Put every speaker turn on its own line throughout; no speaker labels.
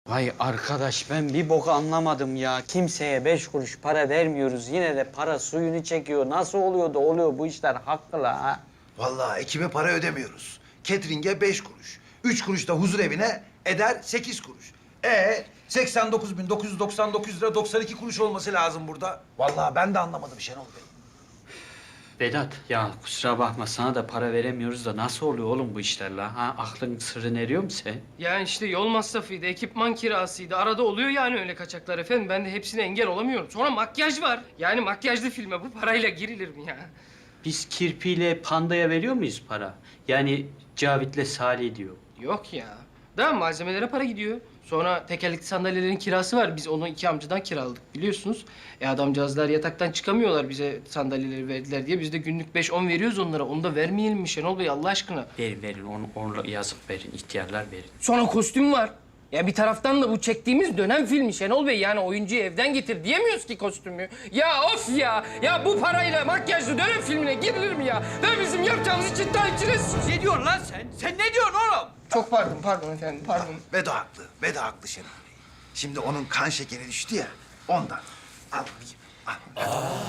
Vay arkadaş ben bir bok anlamadım ya. Kimseye 5 kuruş para vermiyoruz. Yine de para suyunu çekiyor. Nasıl oluyor da oluyor bu işler hakkı la ha?
Vallahi ekibe para ödemiyoruz. Catering'e 5 kuruş. 3 kuruş da huzur evine eder 8 kuruş. 89.999 lira 92 kuruş olması lazım burada. Vallahi ben de anlamadım Şenol Bey.
Vedat ya kusura bakma sana da para veremiyoruz da nasıl oluyor oğlum bu işler la? Ha? Aklın sırrını eriyor mu sen?
Yani işte yol masrafıydı, ekipman kirasıydı. Arada oluyor yani öyle kaçaklar efendim. Ben de hepsine engel olamıyorum. Sonra makyaj var. Yani makyajlı filme bu parayla girilir mi ya?
Biz Kirpi'yle Panda'ya veriyor muyuz para? Yani Cavit'le Salih diyor.
Yok ya. Daha malzemelere para gidiyor. Sonra tekerlekli sandalyelerin kirası var. Biz onu 2 amcadan kiraladık biliyorsunuz. Adamcağızlar yataktan çıkamıyorlar bize sandalyeleri verdiler diye. Biz de günlük 5-10 veriyoruz onlara. Onu da vermeyelim mi Şenol Bey Allah aşkına?
Verin onu yazıp verin ihtiyarlar verin.
Sonra kostüm var. Ya bir taraftan da bu çektiğimiz dönem filmi Şenol Bey. Yani oyuncuyu evden getir diyemiyoruz ki kostümü. Ya of ya! Ya bu parayla makyajlı dönem filmine girilir mi ya? Ve bizim yapacağımız için takipçiniz.
Ne diyorsun lan sen? Sen ne diyorsun oğlum?
Çok pardon efendim, pardon.
Vedo haklı. Vedo haklı Şenol Bey. Şimdi onun kan şekeri düştü ya ondan. Al bakayım. Al.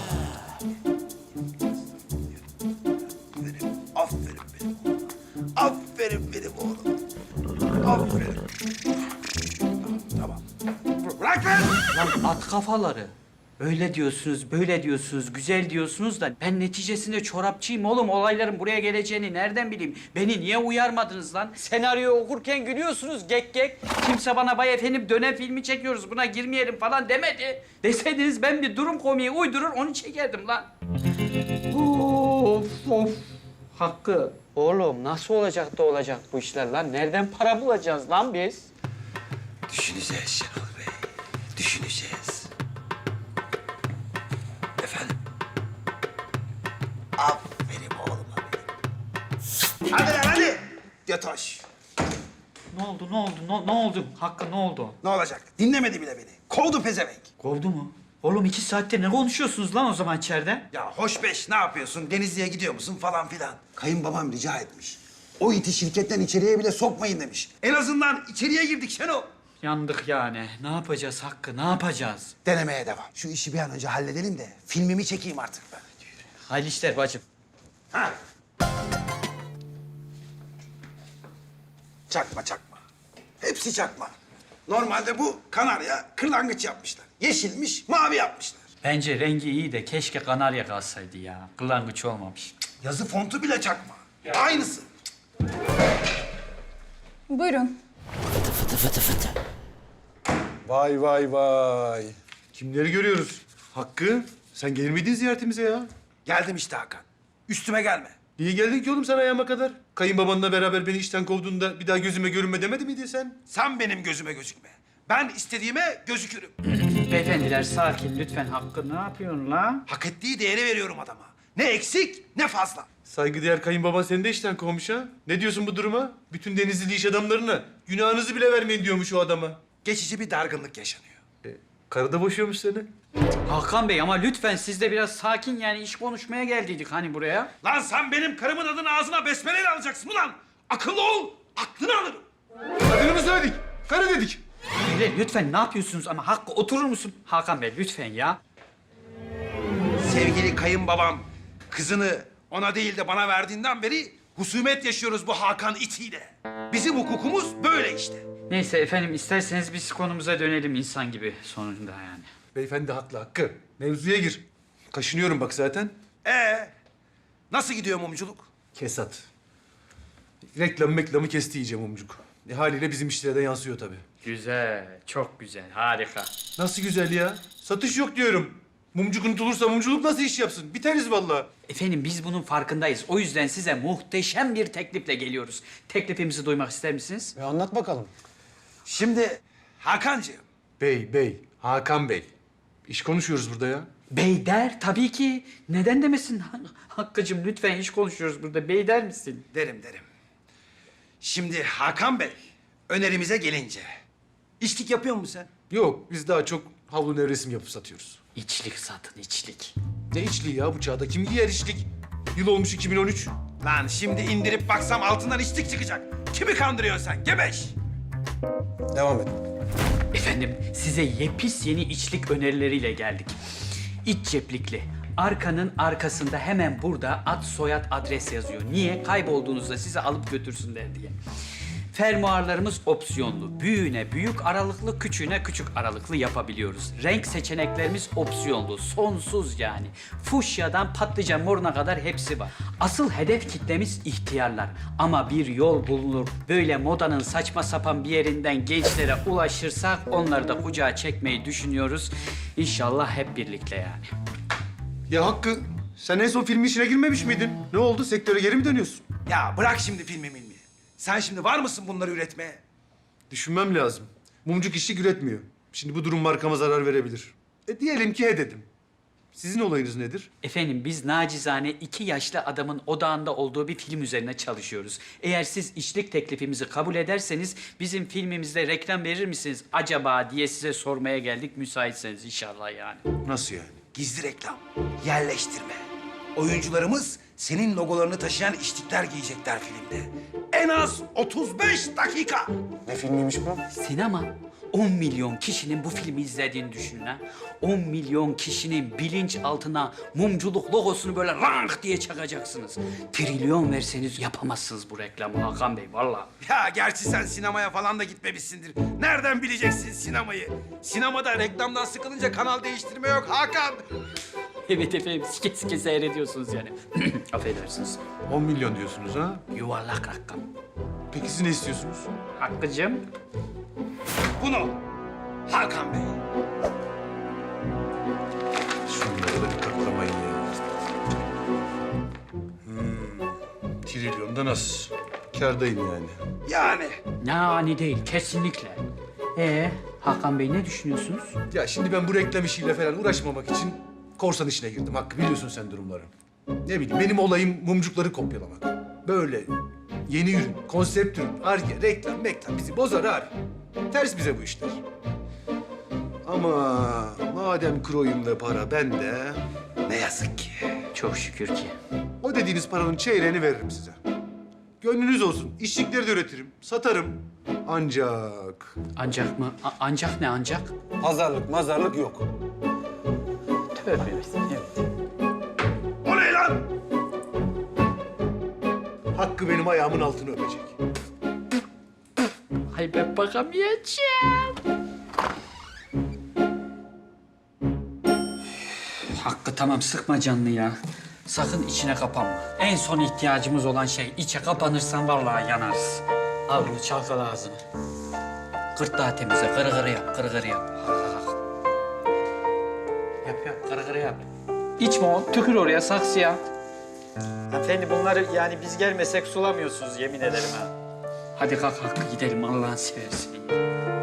Aferin benim oğlum. Aferin benim oğlum. Aferin. Tamam. Bırak lan!
Lan at kafaları. Öyle diyorsunuz, böyle diyorsunuz, güzel diyorsunuz da ben neticesinde çorapçıyım oğlum. Olayların buraya geleceğini nereden bileyim? Beni niye uyarmadınız lan? Senaryoyu okurken gülüyorsunuz gek gek. Kimse bana vay efendim dönem filmi çekiyoruz buna girmeyelim falan demedi. Deseydiniz ben bir durum komiği uydurur onu çekerdim lan. Of. Hakkı. Oğlum nasıl olacak da olacak bu işler lan? Nereden para bulacağız lan biz?
Düşüneceğiz Şenol Bey. Düşüneceğiz. Efendim? Aferin oğlum benim. Hadi lan hadi. Yatoş.
Ne oldu? Hakkı ne oldu?
Ne olacak? Dinlemedi bile beni. Kovdu pezevenk.
Kovdu mu? Oğlum 2 saattir ne konuşuyorsunuz lan o zaman içeride?
Ya hoş beş ne yapıyorsun? Denizli'ye gidiyor musun falan filan. Kayınbabam rica etmiş. O iti şirketten içeriye bile sokmayın demiş. En azından içeriye girdik Şenol.
Yandık yani. Ne yapacağız Hakkı? Ne yapacağız?
Denemeye devam. Şu işi bir an önce halledelim de filmimi çekeyim artık ben.
Hayırlı işler bacım.
Ha. Çakma. Hepsi çakma. Normalde bu kanarya kırlangıç yapmışlar. Yeşilmiş, mavi yapmışlar.
Bence rengi iyi de keşke kanarya kalsaydı ya. Kırlangıç olmamış.
Yazı fontu bile çakma. Aynısı.
Buyurun.
Vay. Kimleri görüyoruz? Hakkı, sen gelir miydin ziyaretimize ya?
Geldim işte Hakan. Üstüme gelme.
Niye geldin ki oğlum sen ayağıma kadar? Kayınbabanla beraber beni işten kovduğunda bir daha gözüme görünme demedi miydin sen?
Sen benim gözüme gözükme. Ben istediğime gözükürüm.
Beyefendiler sakin lütfen. Hakkı ne yapıyorsun la?
Hak ettiği değeri veriyorum adama. Ne eksik ne fazla.
Saygıdeğer kayınbaban seni de işten kovmuş ha. Ne diyorsun bu duruma? Bütün Denizli iş adamlarına günahınızı bile vermeyin diyormuş o adama.
Geçici bir dargınlık yaşanıyor.
Karı da boşuyormuş seni.
Hakan Bey ama lütfen siz de biraz sakin yani iş konuşmaya geldiydik hani buraya.
Lan sen benim karımın adını ağzına besmeleyle alacaksın ulan. Akıllı ol, aklını alırım.
Adını mı söyledik? Karı dedik.
Öyle lütfen ne yapıyorsunuz ama Hakkı oturur musun? Hakan Bey lütfen ya.
Sevgili kayınbabam kızını ona değil de bana verdiğinden beri husumet yaşıyoruz bu Hakan itiyle. Bizim hukukumuz böyle işte.
Neyse efendim isterseniz biz konumuza dönelim insan gibi sonunda yani.
Beyefendi haklı Hakkı. Mevzuya gir. Kaşınıyorum bak zaten.
Nasıl gidiyor mumculuk?
Kesat. Reklamı kesti iyice mumcuk. Haliyle bizim işlere de yansıyor tabii.
Güzel, çok güzel, harika.
Nasıl güzel ya? Satış yok diyorum. Mumcuk unutulursa mumculuk nasıl iş yapsın? Biteriz vallahi.
Efendim biz bunun farkındayız. O yüzden size muhteşem bir teklifle geliyoruz. Teklifimizi duymak ister misiniz?
Anlat bakalım.
Şimdi Hakan'cığım
Bey, Hakan Bey. İş konuşuyoruz burada ya.
Bey der tabii ki. Neden demesin? Hakkı'cığım lütfen iş konuşuyoruz burada. Bey der misin?
derim. Şimdi Hakan Bey önerimize gelince içlik yapıyor musun sen?
Yok, biz daha çok havlu nevresim yapıp satıyoruz.
İçlik satın, içlik.
Ne içliği ya bu çağda? Kim giyer içlik? Yıl olmuş 2013.
Lan şimdi indirip baksam altından içlik çıkacak. Kimi kandırıyorsun sen gebeş?
Devam et.
Efendim size yepis yeni içlik önerileriyle geldik. İç ceplikli. Arkanın arkasında hemen burada ad soyad adres yazıyor. Niye? Kaybolduğunuzda sizi alıp götürsünler diye. Fermuarlarımız opsiyonlu. Büyüğüne büyük aralıklı, küçüğüne küçük aralıklı yapabiliyoruz. Renk seçeneklerimiz opsiyonlu. Sonsuz yani. Fuşyadan patlıcan moruna kadar hepsi var. Asıl hedef kitlemiz ihtiyarlar. Ama bir yol bulunur. Böyle modanın saçma sapan bir yerinden gençlere ulaşırsak onları da kucağa çekmeyi düşünüyoruz. İnşallah hep birlikte yani.
Ya Hakkı, sen en son filmin işine girmemiş miydin? Ne oldu? Sektöre geri mi dönüyorsun?
Ya bırak şimdi filmi milmi. Sen şimdi var mısın bunları üretmeye?
Düşünmem lazım. Mumcuk işçi üretmiyor. Şimdi bu durum markama zarar verebilir. Diyelim ki he dedim. Sizin olayınız nedir?
Efendim biz nacizane 2 yaşlı adamın odağında olduğu bir film üzerine çalışıyoruz. Eğer siz işlik teklifimizi kabul ederseniz bizim filmimizde reklam verir misiniz acaba diye size sormaya geldik müsaitseniz inşallah yani.
Nasıl yani?
Gizli reklam, yerleştirme. Oyuncularımız senin logolarını taşıyan içlikler giyecekler filmde. En az 35 dakika.
Ne filmiymiş bu?
Sinema 10 milyon kişinin bu filmi izlediğini düşünün ha. 10 milyon kişinin bilinç altına mumculuk logosunu böyle rank diye çakacaksınız. Trilyon verseniz yapamazsınız bu reklamı Hakan Bey vallahi.
Ya gerçi sen sinemaya falan da gitmemişsindir. Nereden bileceksin sinemayı? Sinemada reklamdan sıkılınca kanal değiştirme yok Hakan.
Evet efendim sike sike seyrediyorsunuz yani. Affedersiniz.
10 milyon diyorsunuz ha?
Yuvarlak rakam.
Peki siz ne istiyorsunuz?
Hakkı'cığım.
Bunu Hakan Bey.
Şunları da bir katlamayın ya. Trilyonda nasıl? Kârdayım yani.
Yani
Yani değil kesinlikle. Hakan Bey ne düşünüyorsunuz?
Ya şimdi ben bu reklam işiyle falan uğraşmamak için korsan işine girdim. Hakkı biliyorsun sen durumları. Ne bileyim benim olayım mumcukları kopyalamak. Böyle yeni ürün, konsept ürün, arge, reklam bizi bozar abi. Ters bize bu işler. Ama madem kroyum ve para bende,
ne yazık ki.
Çok şükür ki.
o dediğiniz paranın çeyreğini veririm size. Gönlünüz olsun. İşçilikleri de üretirim, satarım. Ancak
Ancak mı? Ancak ne ancak?
Pazarlık mazarlık yok.
Tövbe evet.
O ne lan?
Hakkı benim ayağımın altını öpecek.
Ay ben bakamayacağım. Hakkı tamam sıkma canını ya. Sakın içine kapanma. En son ihtiyacımız olan şey içe kapanırsan vallahi yanarız. Al bunu çalkala ağzını. Gırtlağı temizle, kırı kırı yap, kırı kırı yap. Yap, kırı kırı yap. İçme o, tükür oraya saksıya.
Hanımefendi bunları yani biz gelmesek sulamıyorsunuz yemin ederim ha.
Hadi kalk Hakkı gidelim Allah'ını seversen.